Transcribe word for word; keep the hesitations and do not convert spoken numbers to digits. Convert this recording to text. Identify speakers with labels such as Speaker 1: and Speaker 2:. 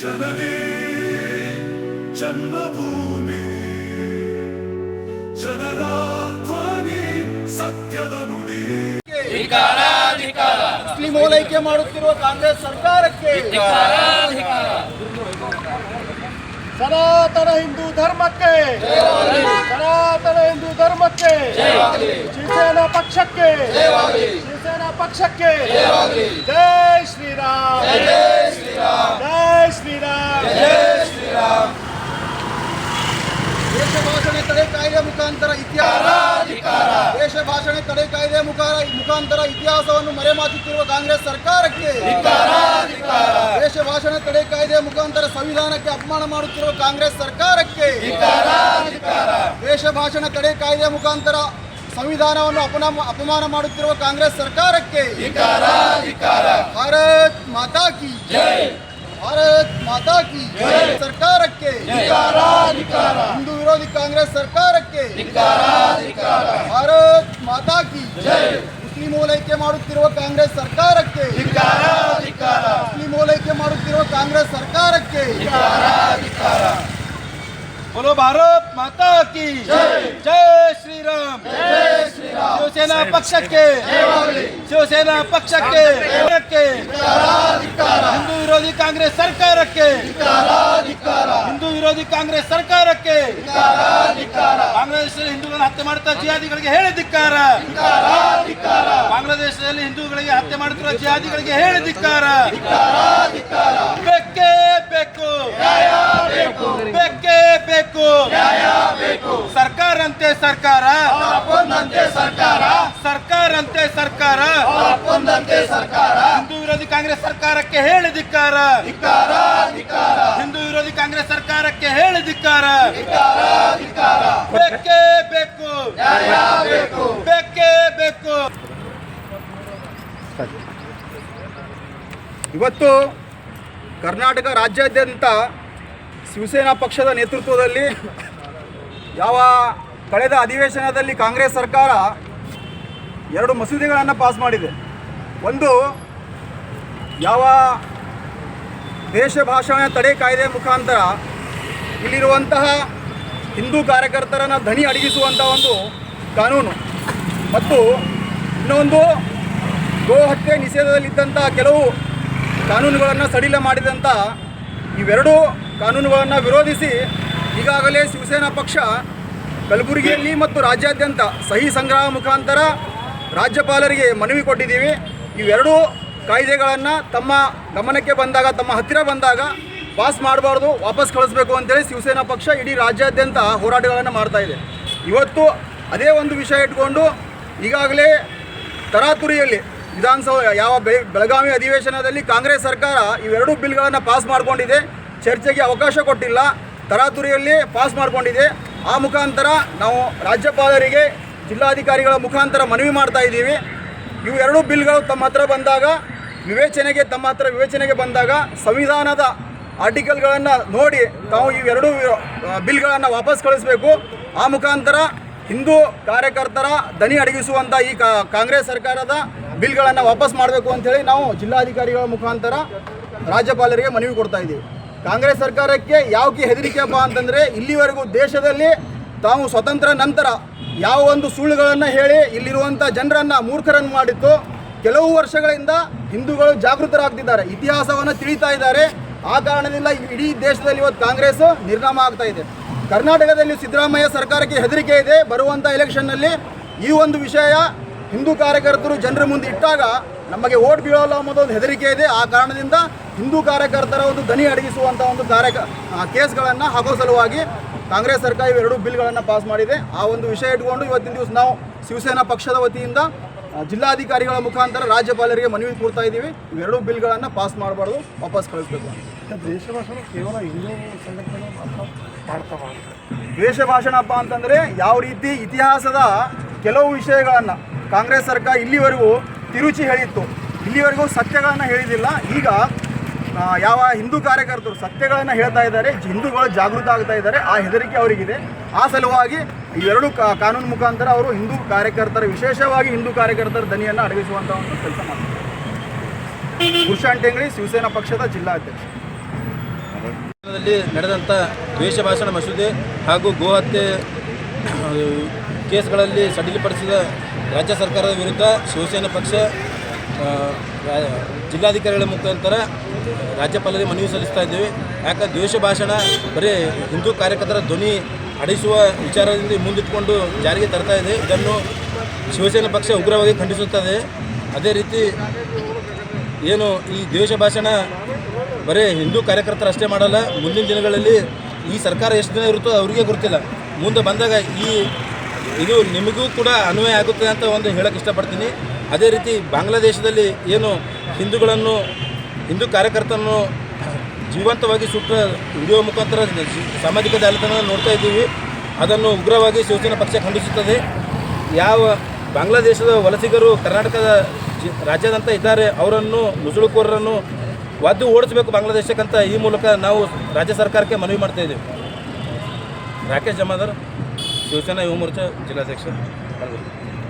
Speaker 1: ಜನನಿ ಜನ್ಮಭೂಮಿ ಜನರ ಧ್ವನಿ ಸತ್ಯದ ನುಡಿ.
Speaker 2: ಮುಸ್ಲಿಂ ಓಲೈಕೆ ಮಾಡುತ್ತಿರುವ ಕಾಂಗ್ರೆಸ್ ಸರ್ಕಾರಕ್ಕೆ ಸನಾತನ ಹಿಂದೂ ಧರ್ಮಕ್ಕೆ ಸನಾತನ ಹಿಂದೂ ಧರ್ಮಕ್ಕೆ ಶಿವಸೇನಾ ಪಕ್ಷಕ್ಕೆ ಶಿವಸೇನಾ ಪಕ್ಷಕ್ಕೆ ಜೈ ಶ್ರೀರಾಮ್ ಜೈ ಶ್ರೀರಾಮ್ ಜೈ ಶ್ರೀರಾಮ್ ಜೈ ಶ್ರೀರಾಮ್. ದೇಶ ಭಾಷಣ ತಡೆ ಕಾಯ್ದೆ ಮುಖಾಂತರ ಇತಿಹಾಸ ದೇಶ ಭಾಷಣ ತಡೆ ಕಾಯ್ದೆ ಮುಖಾಂತರ ಇತಿಹಾಸವನ್ನು ಮರೆಮಾಚುತ್ತಿರುವ ಕಾಂಗ್ರೆಸ್ ಸರ್ಕಾರಕ್ಕೆ ದೇಶ ಭಾಷಣ ತಡೆ ಕಾಯ್ದೆ ಮುಖಾಂತರ ಸಂವಿಧಾನಕ್ಕೆ ಅಪಮಾನ ಮಾಡುತ್ತಿರುವ ಕಾಂಗ್ರೆಸ್ ಸರ್ಕಾರಕ್ಕೆ ದೇಶ ಭಾಷಣ ತಡೆ ಕಾಯ್ದೆ ಮುಖಾಂತರ ಸಂವಿಧಾನವನ್ನು ಅಪಮಾನ ಅಪಮಾನ ಮಾಡುತ್ತಿರುವ ಕಾಂಗ್ರೆಸ್ ಸರ್ಕಾರಕ್ಕೆ ಭಾರತ್ ಮಾತಾ ಕಿ ಜೈ ಭಾರತ್ ಮಾತಾ ಕಿ ಜೈ. ಸರ್ಕಾರಕ್ಕೆ ಹಿಂದೂ ವಿರೋಧಿ ಕಾಂಗ್ರೆಸ್ ಸರ್ಕಾರಕ್ಕೆ ಭಾರತ್ ಮಾತಾ ಕಿ ಜೈ. ಮುಸ್ಲಿಂ ಓಲೈಕೆ ಮಾಡುತ್ತಿರುವ ಕಾಂಗ್ರೆಸ್ ಸರ್ಕಾರಕ್ಕೆ ಮುಸ್ಲಿಂ ಓಲೈಕೆ ಮಾಡುತ್ತಿರುವ ಕಾಂಗ್ರೆಸ್ ಸರ್ಕಾರಕ್ಕೆ बोलो भारत माता की जय श्रीराम जय श्रीराम. शिवसेना पक्षಕ್ಕೆ ಶಿವಸೇನಾ ಪಕ್ಷಕ್ಕೆ ಹಿಂದೂ ವಿರೋಧಿ ಕಾಂಗ್ರೆಸ್ ಸರ್ಕಾರಕ್ಕೆ ಹಿಂದೂ ವಿರೋಧಿ ಕಾಂಗ್ರೆಸ್ ಸರ್ಕಾರಕ್ಕೆ ಬಾಂಗ್ಲಾದೇಶದಲ್ಲಿ ಹಿಂದೂಗಳನ್ನು ಹತ್ಯೆ ಮಾಡುತ್ತಾ ಜಿಹಾದಿಗಳಿಗೆ ಹೇಳಿ ಧಿಕ್ಕಾರ. ಬಾಂಗ್ಲಾದೇಶದಲ್ಲಿ ಹಿಂದೂಗಳಿಗೆ ಹತ್ಯೆ ಮಾಡುತ್ತಿರುವ ಜಿಹಾದಿಗಳಿಗೆ ಹೇಳಿ ಧಿಕ್ಕಾರ. ಬೇಕೇ ಬೇಕು ಬೇಕೇ ಬೇಕು ಸರ್ಕಾರ ಅಂತೆ ಸರ್ಕಾರ ಸರ್ಕಾರ ಅಂತೆ ಸರ್ಕಾರ ಹಿಂದೂ ವಿರೋಧಿ ಕಾಂಗ್ರೆಸ್ ಸರ್ಕಾರಕ್ಕೆ ಹೇಳಿ ಧಿಕ್ಕಾರ. ಹಿಂದೂ ವಿರೋಧಿ ಕಾಂಗ್ರೆಸ್ ಸರ್ಕಾರಕ್ಕೆ ಹೇಳಿ ಧಿಕ್ಕಾರ. ಬೇಕೇ ಬೇಕು ಬೇಕೇ ಬೇಕು. ಇವತ್ತು ಕರ್ನಾಟಕ ರಾಜ್ಯಾದ್ಯಂತ ಶಿವಸೇನಾ ಪಕ್ಷದ ನೇತೃತ್ವದಲ್ಲಿ ಯಾವ ಕಳೆದ ಅಧಿವೇಶನದಲ್ಲಿ ಕಾಂಗ್ರೆಸ್ ಸರ್ಕಾರ ಎರಡು ಮಸೂದೆಗಳನ್ನು ಪಾಸ್ ಮಾಡಿದೆ. ಒಂದು ಯಾವ ದೇಶ ಭಾಷಣ ತಡೆ ಕಾಯ್ದೆ ಮುಖಾಂತರ ಇಲ್ಲಿರುವಂತಹ ಹಿಂದೂ ಕಾರ್ಯಕರ್ತರನ್ನು ಧ್ವನಿ ಅಡಗಿಸುವಂಥ ಒಂದು ಕಾನೂನು, ಮತ್ತು ಇನ್ನೊಂದು ಗೋ ಹತ್ಯೆ ನಿಷೇಧದಲ್ಲಿದ್ದಂಥ ಕೆಲವು ಕಾನೂನುಗಳನ್ನು ಸಡಿಲ ಮಾಡಿದಂಥ ಇವೆರಡೂ ಕಾನೂನುಗಳನ್ನು ವಿರೋಧಿಸಿ ಈಗಾಗಲೇ ಶಿವಸೇನಾ ಪಕ್ಷ ಕಲಬುರಗಿಯಲ್ಲಿ ಮತ್ತು ರಾಜ್ಯಾದ್ಯಂತ ಸಹಿ ಸಂಗ್ರಹ ಮುಖಾಂತರ ರಾಜ್ಯಪಾಲರಿಗೆ ಮನವಿ ಕೊಟ್ಟಿದ್ದೀವಿ. ಇವೆರಡೂ ಕಾಯ್ದೆಗಳನ್ನು ತಮ್ಮ ಗಮನಕ್ಕೆ ಬಂದಾಗ, ತಮ್ಮ ಹತ್ತಿರ ಬಂದಾಗ ಪಾಸ್ ಮಾಡಬಾರ್ದು, ವಾಪಸ್ ಕಳಿಸ್ಬೇಕು ಅಂತೇಳಿ ಶಿವಸೇನಾ ಪಕ್ಷ ಇಡೀ ರಾಜ್ಯಾದ್ಯಂತ ಹೋರಾಟಗಳನ್ನು ಮಾಡ್ತಾ ಇದೆ. ಇವತ್ತು ಅದೇ ಒಂದು ವಿಷಯ ಇಟ್ಕೊಂಡು ಈಗಾಗಲೇ ತರಾತುರಿಯಲ್ಲಿ ವಿಧಾನಸಭೆ ಯಾವ ಬೆಳಗಾವಿ ಅಧಿವೇಶನದಲ್ಲಿ ಕಾಂಗ್ರೆಸ್ ಸರ್ಕಾರ ಇವೆರಡೂ ಬಿಲ್ಗಳನ್ನು ಪಾಸ್ ಮಾಡಿಕೊಂಡಿದೆ. ಚರ್ಚೆಗೆ ಅವಕಾಶ ಕೊಟ್ಟಿಲ್ಲ, ತರಾತುರಿಯಲ್ಲಿ ಪಾಸ್ ಮಾಡಿಕೊಂಡಿದೆ. ಆ ಮುಖಾಂತರ ನಾವು ರಾಜ್ಯಪಾಲರಿಗೆ ಜಿಲ್ಲಾಧಿಕಾರಿಗಳ ಮುಖಾಂತರ ಮನವಿ ಮಾಡ್ತಾ ಇದ್ದೀವಿ. ಇವು ಎರಡೂ ಬಿಲ್ಗಳು ತಮ್ಮ ಹತ್ರ ಬಂದಾಗ ವಿವೇಚನೆಗೆ ತಮ್ಮ ಹತ್ರ ವಿವೇಚನೆಗೆ ಬಂದಾಗ ಸಂವಿಧಾನದ ಆರ್ಟಿಕಲ್ಗಳನ್ನು ನೋಡಿ ತಾವು ಇವೆರಡೂ ಬಿಲ್ಗಳನ್ನು ವಾಪಸ್ ಕಳಿಸಬೇಕು. ಆ ಮುಖಾಂತರ ಹಿಂದೂ ಕಾರ್ಯಕರ್ತರ ದನಿ ಅಡಗಿಸುವಂಥ ಈ ಕಾಂಗ್ರೆಸ್ ಸರ್ಕಾರದ ಬಿಲ್ಗಳನ್ನು ವಾಪಸ್ ಮಾಡಬೇಕು ಅಂಥೇಳಿ ನಾವು ಜಿಲ್ಲಾಧಿಕಾರಿಗಳ ಮುಖಾಂತರ ರಾಜ್ಯಪಾಲರಿಗೆ ಮನವಿ ಕೊಡ್ತಾ ಇದ್ದೀವಿ. ಕಾಂಗ್ರೆಸ್ ಸರ್ಕಾರಕ್ಕೆ ಯಾವಕ್ಕೆ ಹೆದರಿಕೆಯಪ್ಪ ಅಂತಂದರೆ, ಇಲ್ಲಿವರೆಗೂ ದೇಶದಲ್ಲಿ ತಾವು ಸ್ವತಂತ್ರ ನಂತರ ಯಾವ ಒಂದು ಸುಳ್ಳುಗಳನ್ನು ಹೇಳಿ ಇಲ್ಲಿರುವಂಥ ಜನರನ್ನು ಮೂರ್ಖರನ್ನು ಮಾಡಿತ್ತು. ಕೆಲವು ವರ್ಷಗಳಿಂದ ಹಿಂದೂಗಳು ಜಾಗೃತರಾಗ್ತಿದ್ದಾರೆ, ಇತಿಹಾಸವನ್ನು ತಿಳಿತಾ ಇದ್ದಾರೆ. ಆ ಕಾರಣದಿಂದ ಇಡೀ ದೇಶದಲ್ಲಿ ಇವತ್ತು ಕಾಂಗ್ರೆಸ್ ನಿರ್ನಾಮ ಆಗ್ತಾ ಇದೆ. ಕರ್ನಾಟಕದಲ್ಲಿ ಸಿದ್ದರಾಮಯ್ಯ ಸರ್ಕಾರಕ್ಕೆ ಹೆದರಿಕೆ ಇದೆ. ಬರುವಂಥ ಎಲೆಕ್ಷನ್ನಲ್ಲಿ ಈ ಒಂದು ವಿಷಯ ಹಿಂದೂ ಕಾರ್ಯಕರ್ತರು ಜನರ ಮುಂದೆ ಇಟ್ಟಾಗ ನಮಗೆ ಓಟ್ ಬೀಳೋಲ್ಲ ಅನ್ನೋದೊಂದು ಹೆದರಿಕೆ ಇದೆ. ಆ ಕಾರಣದಿಂದ ಹಿಂದೂ ಕಾರ್ಯಕರ್ತರ ಒಂದು ಧ್ವನಿ ಅಡಗಿಸುವಂಥ ಒಂದು ಕಾರ್ಯ ಕೇಸ್ಗಳನ್ನು ಹಾಕೋ ಸಲುವಾಗಿ ಕಾಂಗ್ರೆಸ್ ಸರ್ಕಾರ ಇವೆರಡು ಬಿಲ್ಗಳನ್ನು ಪಾಸ್ ಮಾಡಿದೆ. ಆ ಒಂದು ವಿಷಯ ಇಟ್ಕೊಂಡು ಇವತ್ತಿನ ದಿವಸ ನಾವು ಶಿವಸೇನಾ ಪಕ್ಷದ ವತಿಯಿಂದ ಜಿಲ್ಲಾಧಿಕಾರಿಗಳ ಮುಖಾಂತರ ರಾಜ್ಯಪಾಲರಿಗೆ ಮನವಿ ಕೊಡ್ತಾ ಇದ್ದೀವಿ. ಇವೆರಡೂ ಬಿಲ್ಗಳನ್ನು ಪಾಸ್ ಮಾಡಬಾರ್ದು, ವಾಪಸ್ ಕಳಿಸ್ಬೇಕು.
Speaker 3: ದೇಶ ಭಾಷಣ ಕೇವಲ ಹಿಂದೂ ಸಂಘಟನೆ ಮಾಡ್ತಾವ.
Speaker 2: ದ್ವೇಷ ಭಾಷಣಪ್ಪ ಅಂತಂದರೆ ಯಾವ ರೀತಿ ಇತಿಹಾಸದ ಕೆಲವು ವಿಷಯಗಳನ್ನು ಕಾಂಗ್ರೆಸ್ ಸರ್ಕಾರ ಇಲ್ಲಿವರೆಗೂ ತಿರುಚಿ ಹೇಳಿತ್ತು, ಇಲ್ಲಿವರೆಗೂ ಸತ್ಯಗಳನ್ನು ಹೇಳಿದಿಲ್ಲ. ಈಗ ಯಾವ ಹಿಂದೂ ಕಾರ್ಯಕರ್ತರು ಸತ್ಯಗಳನ್ನು ಹೇಳ್ತಾ ಇದ್ದಾರೆ, ಹಿಂದೂಗಳು ಜಾಗೃತ ಆಗ್ತಾ ಇದ್ದಾರೆ. ಆ ಹೆದರಿಕೆ ಅವರಿಗಿದೆ. ಆ ಸಲುವಾಗಿ ಇವೆರಡು ಕಾನೂನು ಮುಖಾಂತರ ಅವರು ಹಿಂದೂ ಕಾರ್ಯಕರ್ತರ, ವಿಶೇಷವಾಗಿ ಹಿಂದೂ ಕಾರ್ಯಕರ್ತರ ದನಿಯನ್ನು ಅಡಗಿಸುವಂಥ ಒಂದು ಕೆಲಸ ಮಾಡ್ತಾರೆ. ಗುರುಶಾಂತ್ ಟೆಂಗಳಿ, ಶಿವಸೇನಾ ಪಕ್ಷದ ಜಿಲ್ಲಾಧ್ಯಕ್ಷ.
Speaker 4: ವಿಧಾನಸಭೆಯಲ್ಲಿ ನಡೆದಂಥ ದ್ವೇಷ ಭಾಷಣ ಮಸೂದೆ ಹಾಗೂ ಗೋಹತ್ಯೆ ಕೇಸ್ಗಳಲ್ಲಿ ಸಡಿಲಪಡಿಸಿದ ರಾಜ್ಯ ಸರ್ಕಾರದ ವಿರುದ್ಧ ಶಿವಸೇನಾ ಪಕ್ಷ ಆ, ರಾ- ಜಿಲ್ಲಾಧಿಕಾರಿಗಳ ಮುಖಾಂತರ ರಾಜ್ಯಪಾಲರಿಗೆ ಮನವಿ ಸಲ್ಲಿಸ್ತಾ ಇದ್ದೀವಿ. ಯಾಕೆ ದ್ವೇಷ ಭಾಷಣ ಬರೀ ಹಿಂದೂ ಕಾರ್ಯಕರ್ತರ ಧ್ವನಿ ಅಡಿಸುವ ವಿಚಾರದಿಂದ ಮುಂದಿಟ್ಟುಕೊಂಡು ಜಾರಿಗೆ ತರ್ತಾ ಇದೆ. ಇದನ್ನು ಶಿವಸೇನಾ ಪಕ್ಷ ಉಗ್ರವಾಗಿ ಖಂಡಿಸುತ್ತದೆ. ಅದೇ ರೀತಿ ಏನು ಈ ದ್ವೇಷ ಭಾಷಣ ಬರೀ ಹಿಂದೂ ಕಾರ್ಯಕರ್ತರಷ್ಟೇ ಮಾಡಲ್ಲ, ಮುಂದಿನ ದಿನಗಳಲ್ಲಿ ಈ ಸರ್ಕಾರ ಎಷ್ಟು ದಿನ ಇರುತ್ತೋ ಅವರಿಗೆ ಗೊತ್ತಿಲ್ಲ. ಮುಂದೆ ಬಂದಾಗ ಈ ಇದು ನಿಮಗೂ ಕೂಡ ಅನ್ವಯ ಆಗುತ್ತೆ ಅಂತ ಒಂದು ಹೇಳಕ್ಕೆ ಇಷ್ಟಪಡ್ತೀನಿ. ಅದೇ ರೀತಿ ಬಾಂಗ್ಲಾದೇಶದಲ್ಲಿ ಏನು ಹಿಂದೂಗಳನ್ನು ಹಿಂದೂ ಕಾರ್ಯಕರ್ತರನ್ನು ಜೀವಂತವಾಗಿ ಸುಟ್ಟ ವಿಡಿಯೋ ಮುಖಾಂತರ ಸಾಮಾಜಿಕ ಜಾಲತಾಣ ನೋಡ್ತಾ ಇದ್ದೀವಿ. ಅದನ್ನು ಉಗ್ರವಾಗಿ ಶಿವಸೇನಾ ಪಕ್ಷ ಖಂಡಿಸುತ್ತದೆ. ಯಾವ ಬಾಂಗ್ಲಾದೇಶದ ವಲಸಿಗರು ಕರ್ನಾಟಕದ ಜಿ ರಾಜ್ಯಾದ್ಯಂತ ಇದ್ದಾರೆ ಅವರನ್ನು ನುಸುಳುಕೋರರನ್ನು ಒದ್ದು ಓಡಿಸಬೇಕು ಬಾಂಗ್ಲಾದೇಶಕ್ಕಂತ ಈ ಮೂಲಕ ನಾವು ರಾಜ್ಯ ಸರ್ಕಾರಕ್ಕೆ ಮನವಿ ಮಾಡ್ತಾ ಇದ್ದೀವಿ. ರಾಕೇಶ್ ಜಮಾದಾರ್, ಶಿವಸೇನಾ ಯುವ ಮೋರ್ಚಾ ಜಿಲ್ಲಾಧ್ಯಕ್ಷ.